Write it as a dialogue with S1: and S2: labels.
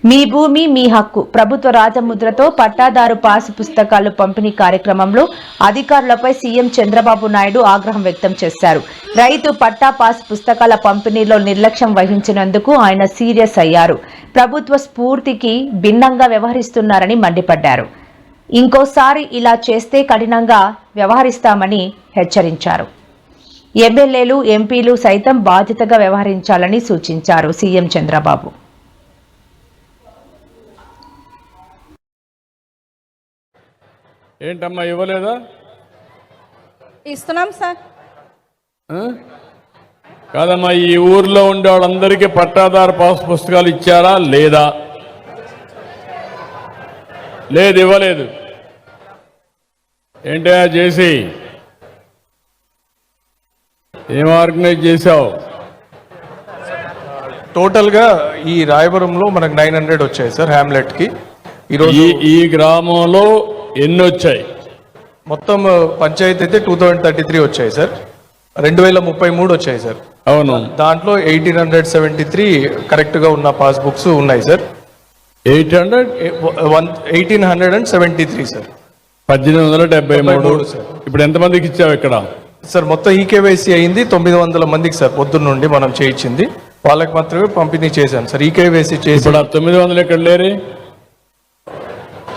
S1: మీ భూమి మీ హక్కు ప్రభుత్వ రాజముద్రతో పట్టాదారు పాసు పుస్తకాలు పంపిణీ కార్యక్రమంలో అధికారులపై సీఎం చంద్రబాబు నాయుడు ఆగ్రహం వ్యక్తం చేశారు. రైతు పట్టా పాస్ పుస్తకాల పంపిణీలో నిర్లక్ష్యం వహించినందుకు ఆయన సీరియస్ అయ్యారు. ప్రభుత్వ స్ఫూర్తికి భిన్నంగా వ్యవహరిస్తున్నారని మండిపడ్డారు. ఇంకోసారి ఇలా చేస్తే కఠినంగా వ్యవహరిస్తామని హెచ్చరించారు. ఎమ్మెల్యేలు ఎంపీలు సైతం బాధ్యతగా వ్యవహరించాలని సూచించారు సీఎం చంద్రబాబు.
S2: ఏంటమ్మా ఇవ్వలేదా?
S3: ఇస్తున్నాం సార్.
S2: కాదమ్మా, ఈ ఊర్లో ఉండే వాళ్ళందరికీ పట్టాదారు పాస్ పుస్తకాలు ఇచ్చారా లేదా? లేదు, ఇవ్వలేదు. ఏంటయ్యా చేసి ఏం ఆర్గనైజ్ చేశావు?
S4: టోటల్గా ఈ రాయవరంలో మనకు 900 వచ్చాయి సార్ హ్యామ్లెట్కి. ఈరోజు
S2: ఈ గ్రామంలో ఎన్ని వచ్చాయి?
S4: మొత్తం పంచాయతీ అయితే 2033 వచ్చాయి సార్. 2033 వచ్చాయి సార్.
S2: అవును,
S4: దాంట్లో 1873 కరెక్ట్గా ఉన్న పాస్బుక్స్ ఉన్నాయి సార్. 1873 సార్.
S2: 1873
S4: సార్.
S2: ఇప్పుడు ఎంతమందికి ఇచ్చావు ఇక్కడ?
S4: సార్ మొత్తం ఈకేవైసీ అయింది 900 మందికి సార్. పొద్దున్న నుండి మనం చేయించింది వాళ్ళకి మాత్రమే పంపిణీ చేశాను సార్. ఈకేవైసీ చేసి
S2: ఇప్పుడు 900 ఎక్కడ లేరు?